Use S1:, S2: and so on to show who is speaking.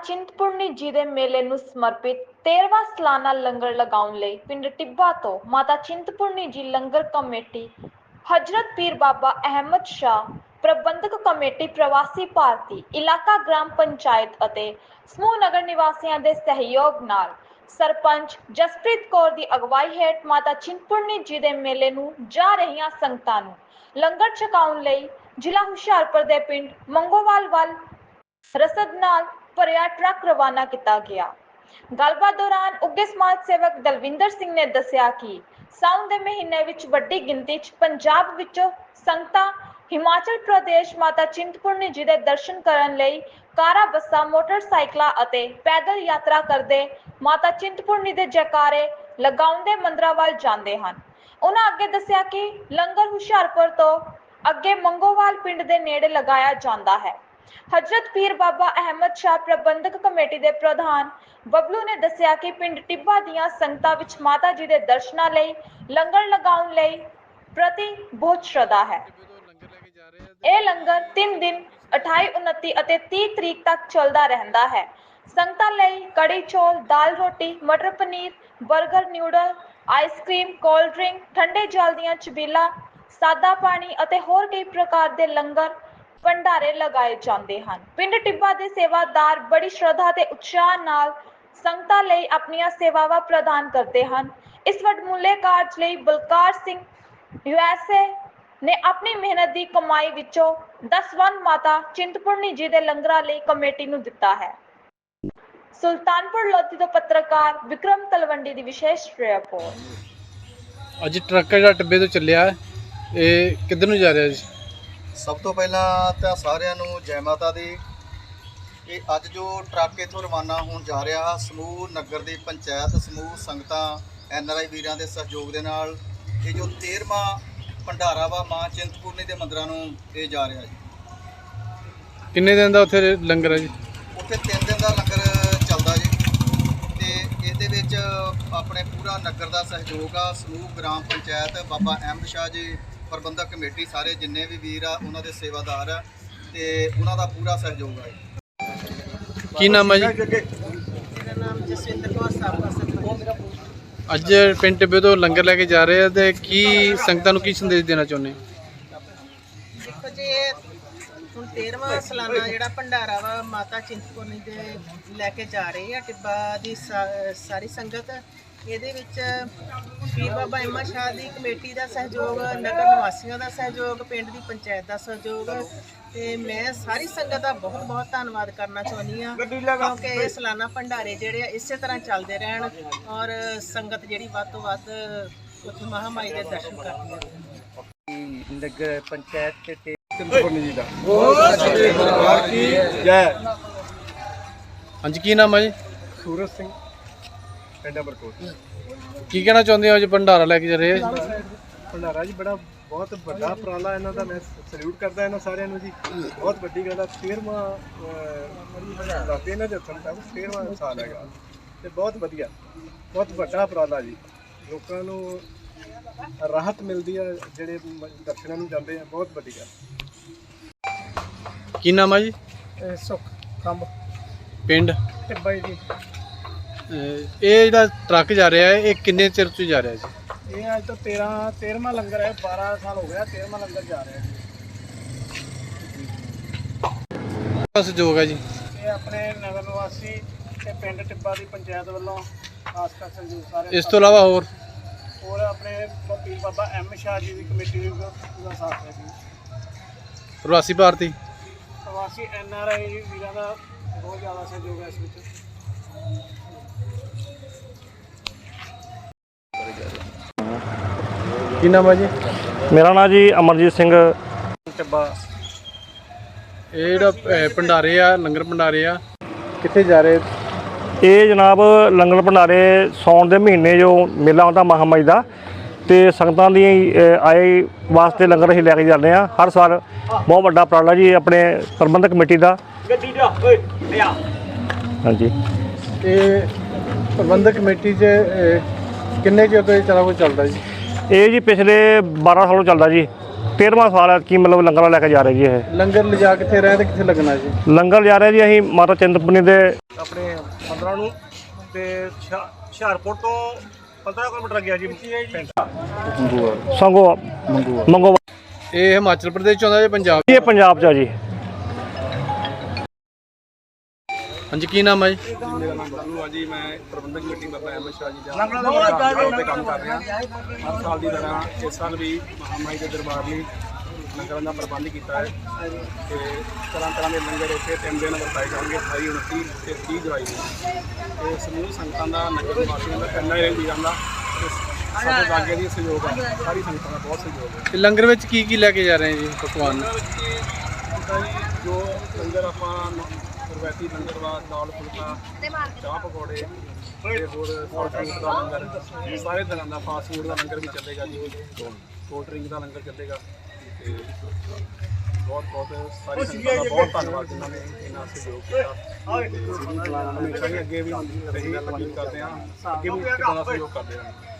S1: चिंतपूर्णी जी ਦੇ ਮੇਲੇ ਨੂੰ ਸਮਰਪਿਤ 13ਵਾਂ ਸਾਲਾਨਾ ਲੰਗਰ ਲਗਾਉਣ ਲਈ ਪਿੰਡ ਟਿੱਬਾ ਤੋਂ ਮਾਤਾ ਚਿੰਤਪੁਰਨੀ ਜੀ ਲੰਗਰ ਕਮੇਟੀ, ਹਜ਼ਰਤ ਪੀਰ ਬਾਬਾ ਅਹਿਮਦ ਸ਼ਾਹ ਪ੍ਰਬੰਧਕ ਕਮੇਟੀ, ਪ੍ਰਵਾਸੀ ਭਾਰਤੀ ਇਲਾਕਾ ਗ੍ਰਾਮ ਪੰਚਾਇਤ ਅਤੇ ਸਮੂਹ ਨਗਰ ਨਿਵਾਸੀਆਂ ਦੇ ਸਹਿਯੋਗ ਨਾਲ ਸਰਪੰਚ ਜਸਪ੍ਰੀਤ ਕੌਰ ਦੀ ਅਗਵਾਈ ਹੇਠ ਮਾਤਾ ਚਿੰਤਪੁਰਨੀ ਜੀ ਦੇ ਮੇਲੇ ਨੂੰ ਜਾ ਰਹੀਆਂ ਸੰਗਤਾਂ ਨੂੰ ਲੰਗਰ ਛਕਾਉਣ ਲਈ ਜ਼ਿਲ੍ਹਾ ਹੁਸ਼ਿਆਰਪੁਰ ਦੇ ਪਿੰਡ ਮੰਗੋਵਾਲ ਵੱਲ ਰਸਦ ਨਾਲ ਭਰਿਆ ਟਰੱਕ ਰਵਾਨਾ ਕੀਤਾ ਗਿਆ। ਗੱਲਬਾਤ ਦੌਰਾਨ ਉੱਘੇ ਸਮਾਜ ਸੇਵਕ ਦਲਵਿੰਦਰ ਸਿੰਘ ਨੇ ਦੱਸਿਆ ਕਿ ਸਾਉਣ ਦੇ ਮਹੀਨੇ ਵਿੱਚ ਵੱਡੀ ਗਿਣਤੀ 'ਚ ਪੰਜਾਬ ਵਿੱਚੋਂ ਸੰਗਤਾਂ ਹਿਮਾਚਲ ਪ੍ਰਦੇਸ਼ ਮਾਤਾ ਚਿੰਤਪੁਰਨੀ ਜੀ ਦੇ ਦਰਸ਼ਨ ਕਰਨ ਲਈ ਕਾਰਾਂ, ਬੱਸਾਂ, ਮੋਟਰਸਾਈਕਲਾਂ ਅਤੇ ਪੈਦਲ ਯਾਤਰਾ ਕਰਦੇ ਮਾਤਾ ਚਿੰਤਪੁਰਨੀ ਦੇ ਜੈਕਾਰੇ ਲਗਾਉਂਦੇ ਮੰਦਰਾਂ ਵੱਲ ਜਾਂਦੇ ਹਨ। ਉਹਨਾਂ ਅੱਗੇ ਦੱਸਿਆ ਕਿ ਲੰਗਰ ਹੁਸ਼ਿਆਰਪੁਰ ਤੋਂ ਅੱਗੇ ਮੰਗੋਵਾਲ ਪਿੰਡ ਦੇ ਨੇੜੇ ਲਗਾਇਆ ਜਾਂਦਾ ਹੈ। हजरत पीर बाबा अहमद शाह प्रबंधक कमेटी के प्रधान बबलू ने दसिया कि पिंड टिब्बा दीयां संगतां विच माता जी के दर्शनां लई लंगर लगाउण लई प्रति बहुत श्रद्धा है। यह लंगर 3 दिन 28, 29 और 30 तरीक तक चलता रहता है। संगतां लई कड़ी चौल, दाल रोटी, मटर पनीर, burger, noodle, ice cream, cold drink, ठंडे जल दीयां छबीलां, सादा पानी और होर कई प्रकार के लंगर भंडारे लगाए जाते हैं। पिंड टिब्बा के सेवादार बड़ी श्रद्धा ते उत्साह नाल संगतां लई अपनियां सेवावां प्रदान करते हैं। इस वडमुले कार्ज लई बलकार सिंह USA ने अपनी मेहनत की कमाई विचों 10 वन माता चिंतपूर्णी जी के लंगरां लई कमेटी नूं दिता है। सुल्तानपुर लोधी तो पत्रकार विक्रम तलवंडी की विशेष रिपोर्ट।
S2: अज ट्रक जिहड़ा टिब्बे तो चलिया ये किधर नूं जा रहा जी?
S3: सब तो पहला तो सारिਆਂ ਨੂੰ जय माता दी। ਇਹ ਅੱਜ ਜੋ ਟਰੱਕ ਇੱਥੋਂ ਰਵਾਨਾ ਹੋਣ ਜਾ ਰਿਹਾ ਸਮੂਹ ਨਗਰ ਦੀ ਪੰਚਾਇਤ, ਸਮੂਹ ਸੰਗਤਾਂ, NRI ਵੀਰਾਂ ਦੇ ਸਹਿਯੋਗ ਦੇ ਨਾਲ ਇਹ ਜੋ 13ਵਾਂ ਭੰਡਾਰਾ ਵਾ ਮਾਂ ਚਿੰਤਪੁਰਨੀ ਦੇ ਮੰਦਰਾਂ ਨੂੰ ਇਹ ਜਾ ਰਿਹਾ ਜੀ।
S2: ਕਿੰਨੇ ਦਿਨ ਦਾ ਉੱਥੇ ਲੰਗਰ ਹੈ ਜੀ?
S3: ਉੱਥੇ 3 ਦਿਨ ਦਾ ਲੰਗਰ ਚੱਲਦਾ ਜੀ ਤੇ ਇਹਦੇ ਵਿੱਚ ਆਪਣੇ ਪੂਰਾ ਨਗਰ ਦਾ ਸਹਿਯੋਗ ਆ। ਸਮੂਹ ਗ੍ਰਾਮ ਪੰਚਾਇਤ, ਬਾਬਾ ਅਹਿਮਦ ਸ਼ਾਹ ਜੀ ਪ੍ਰਬੰਧਕ ਕਮੇਟੀ, ਸਾਰੇ ਜਿੰਨੇ ਵੀ ਵੀਰ ਆ ਉਹਨਾਂ ਦੇ ਸੇਵਾਦਾਰ ਆ ਤੇ ਉਹਨਾਂ ਦਾ ਪੂਰਾ ਸਹਿਯੋਗ ਆ ਜੀ।
S2: ਕੀ ਨਾਮ ਹੈ ਜੀ?
S4: ਮੇਰਾ ਨਾਮ ਜਸਵਿੰਦਰ ਕੌਰ, ਸਾਬਕਾ ਸਰਪੰਚ।
S2: ਅੱਜ ਪਿੰਡ ਟਿੱਬੇ ਤੋਂ ਲੰਗਰ ਲੈ ਕੇ ਜਾ ਰਹੇ ਆ ਤੇ ਕੀ ਸੰਗਤਾਂ ਨੂੰ ਕੀ ਸੰਦੇਸ਼ ਦੇਣਾ ਚਾਹੁੰਦੇ?
S4: ਦੇਖੋ ਜੀ, ਹੁਣ 13ਵਾਂ ਸਾਲਾਨਾ ਜਿਹੜਾ ਭੰਡਾਰਾ ਵਾ ਮਾਤਾ ਚਿੰਤਪੁਰਨੀ ਦੇ ਲੈ ਕੇ ਜਾ ਰਹੇ ਆ ਟਿੱਬਾ ਦੀ ਸਾਰੀ ਸੰਗਤ। ਇਹਦੇ ਵਿੱਚ ਪੀਰ ਬਾਬਾ ਅਹਿਮਦ ਸ਼ਾਹ ਦੀ ਕਮੇਟੀ ਦਾ ਸਹਿਯੋਗ, ਨਗਰ ਨਿਵਾਸੀਆਂ ਦਾ ਸਹਿਯੋਗ, ਪਿੰਡ ਦੀ ਪੰਚਾਇਤ ਦਾ ਸਹਿਯੋਗ ਤੇ ਮੈਂ ਸਾਰੀ ਸੰਗਤ ਦਾ ਬਹੁਤ ਬਹੁਤ ਧੰਨਵਾਦ ਕਰਨਾ ਚਾਹੁੰਦੀ ਹਾਂ ਕਿਉਂਕਿ ਇਹ ਸਾਲਾਨਾ ਭੰਡਾਰੇ ਜਿਹੜੇ ਆ ਇਸੇ ਤਰ੍ਹਾਂ ਚੱਲਦੇ ਰਹਿਣ ਔਰ ਸੰਗਤ ਜਿਹੜੀ ਵੱਧ ਤੋਂ ਵੱਧ ਉੱਥੇ ਮਹਾਮਾਈ ਦੇ ਦਰਸ਼ਨ ਕਰਦੀ ਹੈ।
S5: ਨਗਰ ਪੰਚਾਇਤ ਤੇ
S2: ਚਿੰਤਪੁਰਨੀ ਜੀ ਦਾ ਜੈ। ਹਾਂਜੀ, ਕੀ ਨਾਮ ਹੈ ਜੀ?
S5: ਸੂਰਜ ਸਿੰਘ, ਪਿੰਡ ਅਮਰਕੋਟ।
S2: ਕੀ ਕਹਿਣਾ ਚਾਹੁੰਦੇ ਹੋ ਅੱਜ ਭੰਡਾਰਾ ਲੈ ਕੇ ਜਾ ਰਹੇ ਆ?
S5: ਭੰਡਾਰਾ ਜੀ ਬੜਾ ਬਹੁਤ ਵੱਡਾ ਉਪਰਾਲਾ ਇਹਨਾਂ ਦਾ, ਮੈਂ ਸਲੂਟ ਕਰਦਾ ਇਹਨਾਂ ਸਾਰਿਆਂ ਨੂੰ ਜੀ। ਬਹੁਤ ਵੱਡੀ ਗੱਲ ਆ। 13ਵਾਂ ਦੱਸਦੇ ਇਹਨਾਂ ਦੇ ਹੱਥਾਂ ਤੱਕ 13ਵਾਂ ਸਾਲ ਹੈਗਾ ਤੇ ਬਹੁਤ ਵਧੀਆ, ਬਹੁਤ ਵੱਡਾ ਉਪਰਾਲਾ ਜੀ। ਲੋਕਾਂ ਨੂੰ ਰਾਹਤ ਮਿਲਦੀ ਆ ਜਿਹੜੇ ਦਰਸ਼ਨਾਂ ਨੂੰ ਜਾਂਦੇ ਆ, ਬਹੁਤ ਵੱਡੀ ਗੱਲ।
S2: ਕੀ ਨਾਮ ਹੈ ਜੀ?
S5: ਸੁੱਖ ਕੰਬ,
S2: ਪਿੰਡ
S5: ਟਿੱਬਾ ਜੀ।
S2: ਇਹ ਜਿਹੜਾ ਟਰੱਕ ਜਾ ਰਿਹਾ ਹੈ ਇਹ ਕਿੰਨੇ ਚਿਰ ਤੋਂ ਜਾ ਰਿਹਾ ਜੀ?
S5: ਇਹ ਅੱਜ ਤੋਂ 13ਵਾਂ ਲੰਗਰ ਹੈ। 12 ਸਾਲ ਹੋ ਗਿਆ 13ਵਾਂ ਲੰਗਰ ਜਾ ਰਿਹਾ ਜੀ।
S2: ਸਹਿਯੋਗ ਹੈ ਜੀ?
S5: ਇਹ ਆਪਣੇ ਨਗਰ ਨਿਵਾਸੀ ਤੇ ਪਿੰਡ ਟਿੱਬਾ ਦੀ ਪੰਚਾਇਤ ਵੱਲੋਂ ਖਾਸ ਕਰ ਸਹਿਯੋਗ ਸਾਰੇ।
S2: ਇਸ ਤੋਂ ਇਲਾਵਾ ਹੋਰ
S5: ਆਪਣੇ ਪੀਰ ਬਾਬਾ ਅਹਿਮਦ ਸ਼ਾਹ ਜੀ ਦੀ ਕਮੇਟੀ ਵੀ ਪੂਰਾ ਸਾਥ ਹੈ ਜੀ।
S2: ਪ੍ਰਵਾਸੀ ਭਾਰਤੀ
S5: ਪ੍ਰਵਾਸੀ NRI ਵੀਰਾਂ ਦਾ ਬਹੁਤ ਜ਼ਿਆਦਾ ਸਹਿਯੋਗ ਹੈ ਇਸ ਵਿੱਚ।
S2: ਕੀ ਨਾਮ ਹੈ ਜੀ?
S6: ਮੇਰਾ ਨਾਮ ਜੀ ਅਮਰਜੀਤ ਸਿੰਘ
S5: ਟਿੱਬਾ।
S2: ਇਹ ਜਿਹੜਾ ਭੰਡਾਰੇ ਆ, ਲੰਗਰ ਭੰਡਾਰੇ ਆ, ਕਿੱਥੇ ਜਾ ਰਹੇ?
S6: ਇਹ ਜਨਾਬ ਲੰਗਰ ਭੰਡਾਰੇ ਸਾਉਣ ਦੇ ਮਹੀਨੇ ਜੋ ਮੇਲਾ ਹੁੰਦਾ ਮਹਾਮਾਈ ਦਾ ਤੇ ਸੰਗਤਾਂ ਦੀ ਆਏ ਵਾਸਤੇ ਲੰਗਰ ਅਸੀਂ ਲੈ ਕੇ ਜਾਂਦੇ ਹਾਂ ਹਰ ਸਾਲ। ਬਹੁਤ ਵੱਡਾ ਉਪਰਾਲਾ ਜੀ ਆਪਣੇ ਪ੍ਰਬੰਧਕ ਕਮੇਟੀ ਦਾ। ਹਾਂਜੀ,
S2: ਇਹ ਪ੍ਰਬੰਧਕ ਕਮੇਟੀ 'ਚ ਕਿੰਨੇ ਚਿਰ ਤੋਂ ਇਹ ਸਾਰਾ ਕੁਝ ਚੱਲਦਾ ਜੀ?
S6: ਇਹ ਜੀ ਪਿਛਲੇ 12 ਸਾਲੋਂ ਚੱਲਦਾ ਜੀ 13ਵਾਂ ਸਾਲ ਹੈ ਕਿ ਮਤਲਬ ਲੰਗਰ ਲੈ ਕੇ ਜਾ ਰਹੇ ਜੀ ਇਹ
S2: ਲੰਗਰ ਲਿਜਾ ਕਿੱਥੇ ਰਹੇ ਤੇ ਕਿੱਥੇ ਲੱਗਣਾ ਜੀ?
S6: ਲੰਗਰ ਜਾ ਰਿਹਾ ਜੀ ਅਸੀਂ ਮਾਤਾ ਚਿੰਤਪੁਰਨੀ ਦੇ
S5: ਆਪਣੇ 15 ਨੂੰ ਤੇ ਹੁਸ਼ਿਆਰਪੁਰ ਤੋਂ 15 ਕਿਲੋਮੀਟਰ ਗਿਆ ਜੀ ਪਿੰਡ
S6: ਸੰਗੋ ਮੰਗੋ
S2: ਇਹ ਹਿਮਾਚਲ ਪ੍ਰਦੇਸ਼ ਚ ਆਉਂਦਾ ਜਾਂ ਪੰਜਾਬ?
S6: ਇਹ ਪੰਜਾਬ 'ਚ ਆ ਜੀ।
S2: ਹਾਂਜੀ, ਕੀ ਨਾਮ ਹੈ ਜੀ?
S5: ਮੇਰਾ ਨਾਮ ਬੱਲੂ ਆ ਜੀ। ਮੈਂ ਪ੍ਰਬੰਧਕ ਕਮੇਟੀ ਬਾਬਾ ਅਹਿਮਦ ਸ਼ਾਹ ਜੀ ਦਾ ਤੇ ਕੰਮ ਕਰ ਰਿਹਾ। ਹਰ ਸਾਲ ਦੀ ਤਰ੍ਹਾਂ ਇਸ ਸਾਲ ਵੀ ਮਹਾਮਾਈ ਦੇ ਦਰਬਾਰ ਲਈ ਲੰਗਰਾਂ ਦਾ ਪ੍ਰਬੰਧ ਕੀਤਾ ਹੈ ਤੇ ਤਰ੍ਹਾਂ ਦੇ ਲੰਗਰ ਇੱਥੇ 3 ਦਿਨ ਵਰਤਾਏ ਜਾਣਗੇ, 28, 29 ਤੇ 30 ਜੁਲਾਈ ਨੂੰ। ਤੇ ਸਮੂਹ ਸੰਗਤਾਂ ਦਾ, ਨਗਰ ਨਿਵਾਸੀਆਂ ਦਾ, ਪਿੰਡਾਂ ਦੇ ਵੀਰਾਂ ਦਾ ਸਾਡੇ ਲਾਗੇ ਦੀ ਸਹਿਯੋਗ ਹੈ। ਸਾਰੀ ਸੰਗਤਾਂ ਦਾ ਬਹੁਤ ਸਹਿਯੋਗ ਹੈ।
S2: ਤੇ ਲੰਗਰ ਵਿੱਚ ਕੀ ਕੀ ਲੈ ਕੇ ਜਾ ਰਹੇ ਜੀ ਪਕਵਾਨ?
S5: ਲੰਗਰ ਵਿੱਚ ਜਿੱਦਾਂ ਜੀ ਜੋ ਲੰਗਰ ਆਪਾਂ ਰਵਾਇਤੀ ਲੰਗਰ ਵਾ, ਦਾਲ ਫੁਲਕਾ, ਚਾਹ ਪਕੌੜੇ ਤੇ ਹੋਰ ਸੌਲਟ ਡਰਿੰਕ ਦਾ ਲੰਗਰ, ਸਾਰੇ ਤਰ੍ਹਾਂ ਦਾ ਫਾਸਟ ਫੂਡ ਦਾ ਲੰਗਰ ਵੀ ਚੱਲੇਗਾ ਜੀ। ਕੋਲਡ ਡਰਿੰਕ ਦਾ ਲੰਗਰ ਚੱਲੇਗਾ ਤੇ ਬਹੁਤ ਸਾਰੀ ਸੰਗਤਾਂ ਦਾ ਬਹੁਤ ਧੰਨਵਾਦ ਜਿਨ੍ਹਾਂ ਨੇ ਇੰਨਾ ਸਹਿਯੋਗ ਕੀਤਾ। ਹਮੇਸ਼ਾ ਹੀ ਅੱਗੇ ਵੀ ਰਹੀ ਅਪੀਲ ਕਰਦੇ ਹਾਂ, ਅੱਗੇ ਵੀ ਇਸ ਤਰ੍ਹਾਂ ਦਾ ਸਹਿਯੋਗ ਕਰਦੇ ਹਾਂ।